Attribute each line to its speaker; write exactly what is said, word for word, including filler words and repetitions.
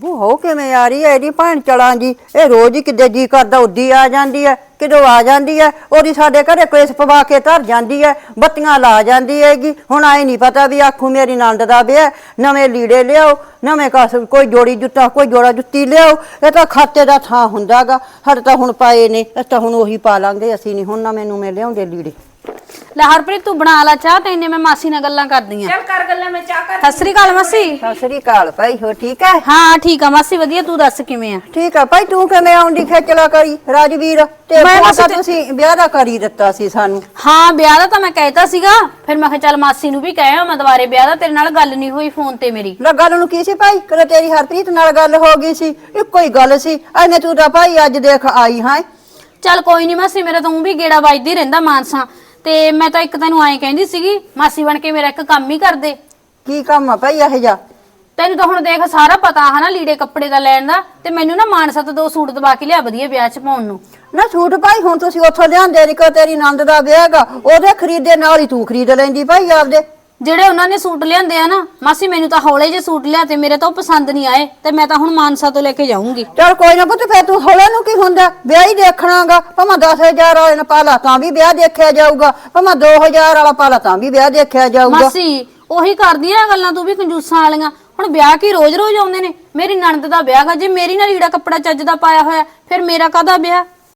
Speaker 1: ਉਹ ਹੋ ਕਿਵੇਂ ਆ ਰਹੀ ਹੈ ਇਹਦੀ ਭੈਣ ਚਲਾਂ ਜੀ। ਇਹ ਰੋਜ਼ ਹੀ ਕਿਤੇ ਜੀ ਕਰਦਾ ਉਦੀ ਆ ਜਾਂਦੀ ਹੈ, ਕਿਦੋਂ ਆ ਜਾਂਦੀ ਹੈ। ਉਹਦੀ ਸਾਡੇ ਘਰੇ ਕਲੇਸ਼ ਪਵਾ ਕੇ ਧਰ ਜਾਂਦੀ ਹੈ, ਬੱਤੀਆਂ ਲਾ ਜਾਂਦੀ ਹੈਗੀ। ਹੁਣ ਆਏ ਨਹੀਂ ਪਤਾ ਵੀ ਆਖੂ ਮੇਰੀ ਨੰਦ ਦਾ ਵਿਆਹ, ਨਵੇਂ ਲੀੜੇ ਲਿਆਓ, ਨਵੇਂ ਕਸ ਕੋਈ ਜੋੜੀ ਜੁੱਤਾ ਕੋਈ ਜੋੜਾ ਜੁੱਤੀ ਲਿਆਓ। ਇਹ ਤਾਂ ਖਾਤੇ ਦਾ ਥਾਂ ਹੁੰਦਾਗਾ। ਸਾਡੇ ਤਾਂ ਹੁਣ ਪਾਏ ਨੇ, ਅਸੀਂ ਤਾਂ ਹੁਣ ਉਹੀ ਪਾ ਲਾਂਗੇ। ਅਸੀਂ ਨਹੀਂ ਹੁਣ ਨਵੇਂ ਨੂਵੇਂ ਲਿਆਉਂਦੇ ਲੀੜੇ।
Speaker 2: ਲੈ ਹਰਪ੍ਰੀਤ ਤੂੰ ਬਣਾ ਲਾ ਚਾਹ, ਤੇ ਇੰਨੇ ਮੈਂ ਮਾਸੀ ਨਾਲ ਗੱਲਾਂ ਕਰਦੀ ਆ।
Speaker 3: ਚੱਲ ਕਰ ਗੱਲਾਂ, ਮੈਂ ਚਾਹ ਕਰ।
Speaker 2: ਸਤਿ ਸ੍ਰੀ ਅਕਾਲ ਮਾਸੀ।
Speaker 1: ਸਤਿ ਸ੍ਰੀ ਅਕਾਲ ਭਾਈ, ਹੋ ਠੀਕ ਹੈ?
Speaker 2: ਹਾਂ ਠੀਕ ਆ ਮਾਸੀ, ਵਧੀਆ। ਤੂੰ ਦੱਸ ਕਿਵੇਂ ਆ?
Speaker 1: ਠੀਕ ਆ ਭਾਈ। ਤੂੰ ਕਿਵੇਂ ਆਉਂਦੀ ਖੇਚਲਾ ਕਰੀ ਰਾਜਵੀਰ ਤੇ
Speaker 2: ਮੈਂ ਬਸ
Speaker 1: ਤਾਂ
Speaker 2: ਤੇ-
Speaker 1: ਤੁਸੀਂ ਵਿਆਹ ਦਾ ਕਰੀ ਦਿੱਤਾ ਸੀ ਸਾਨੂੰ।
Speaker 2: ਹਾਂ ਵਿਆਹ ਦਾ ਤਾਂ ਮੈਂ ਕਹਿਤਾ ਸੀਗਾ, ਫਿਰ ਮੈਂ ਕਿਹਾ ਚੱਲ ਮਾਸੀ ਨੂੰ ਵੀ ਕਹਿਆ ਮੈਂ ਦੁਬਾਰੇ ਵਿਆਹ ਦਾ। ਤੇਰੇ ਨਾਲ ਗੱਲ ਨਹੀਂ ਹੋਈ ਫੋਨ ਤੇ ਮੇਰੀ।
Speaker 1: ਲੈ ਗੱਲ ਨੂੰ ਕੀ ਸੀ ਭਾਈ? ਕਦੇ ਤੇਰੀ ਹਰਪ੍ਰੀਤ ਨਾਲ ਗੱਲ ਹੋ ਗਈ ਸੀ, ਇੱਕੋ ਹੀ ਗੱਲ ਸੀ। ਐਵੇਂ ਤੂੰ ਤਾਂ ਭਾਈ ਅੱਜ ਦੇਖ ਆਈ ਹੈ।
Speaker 2: ਚੱਲ ਕੋਈ ਨਹੀਂ ਮਾਸੀ, ਮੇਰਾ ਤਾਂ ਊਂ ਵੀ ਗੇੜਾ ਵੱਜਦੀ ਰਹਿੰਦਾ ਮਾਨਸਾ। ਤੇ ਮੈਂ ਤਾਂ ਇੱਕ ਤੈਨੂੰ ਐਂ ਕਹਿੰਦੀ ਸੀਗੀ, ਮਾਸੀ ਬਣ ਕੇ ਮੇਰਾ ਇੱਕ ਕੰਮ ਹੀ ਕਰ ਦੇ।
Speaker 1: ਕੀ ਕੰਮ ਆ ਭਾਈ ਇਹ ਜਾ?
Speaker 2: ਤੈਨੂੰ ਤਾਂ ਹੁਣ ਦੇਖ ਸਾਰਾ ਪਤਾ ਹਨਾ ਲੀੜੇ ਕੱਪੜੇ ਦਾ ਲੈਣ ਦਾ। ਤੇ ਮੈਨੂੰ ਨਾ ਮਾਨਸਾ ਤੋਂ ਦੋ ਸੂਟ ਦਵਾ ਕੇ ਲਿਆ ਵਧੀਆ ਵਿਆਹ 'ਚ ਪਾਉਣ ਨੂੰ।
Speaker 1: ਨਾ ਸੂਟ ਭਾਈ ਹੁਣ ਤੁਸੀਂ ਉੱਥੋਂ ਲਿਆਂਦੇ ਨੀ, ਕੋ ਤੇਰੀ ਨੰਦ ਦਾ ਵਿਆਹ ਹੈਗਾ, ਉਹਦੇ ਖਰੀਦੇ ਨਾਲ ਹੀ ਤੂੰ ਖਰੀਦ ਲੈਂਦੀ ਭਾਈ ਆਪਦੇ।
Speaker 2: ਜਿਹੜੇ ਉਹਨਾਂ ਨੇ ਸੂਟ ਲਿਆਂਦੇ ਆ ਨਾ ਮਾਸੀ, ਮੈਨੂੰ ਤਾਂ ਹੌਲੇ ਜੇ ਸੂਟ ਲਿਆ ਤੇ ਮੇਰੇ ਤਾਂ ਉਹ ਪਸੰਦ ਨਹੀਂ ਆਏ। ਤੇ ਮੈਂ ਤਾਂ ਹੁਣ ਮਾਨਸਾ ਤੋਂ ਲੈ ਕੇ ਜਾਊਂਗੀ।
Speaker 1: ਚਲ ਕੋਈ ਨਾ ਪੁੱਤ, ਫੇਰ ਤੂੰ ਹੌਲੇ ਨੂੰ ਕੀ ਹੁੰਦਾ, ਵਿਆਹ ਹੀ ਦੇਖਣਾਗਾ। ਭਾਵੇਂ ਦਸ ਹਜ਼ਾਰ ਵਾਲੇ ਨੇ ਪਾ ਲਾ ਤਾਂ ਵੀ ਵਿਆਹ ਦੇਖਿਆ ਜਾਊਗਾ, ਭਾਵੇਂ ਦੋ ਹਜ਼ਾਰ ਵਾਲਾ ਪਾ ਲਾ ਤਾਂ ਵੀ ਵਿਆਹ ਦੇਖਿਆ ਜਾਊਗਾ।
Speaker 2: ਮਾਸੀ ਉਹੀ ਕਰਦੀਆਂ ਗੱਲਾਂ ਤੂੰ ਵੀ, ਕੰਜੂਸਾਂ ਵਾਲੀਆਂ। ਹੁਣ ਵਿਆਹ ਕੀ ਰੋਜ਼ ਰੋਜ਼ ਆਉਂਦੇ ਨੇ? ਮੇਰੀ ਨਣਦ ਦਾ ਵਿਆਹ ਗਾ, ਜੇ ਮੇਰੀ ਨਾਲ ਲੀੜਾ ਕੱਪੜਾ ਚੱਜ ਦਾ ਪਾਇਆ ਹੋਇਆ ਫਿਰ ਮੇਰਾ ਕਾਹਦਾ ਵਿਆਹ?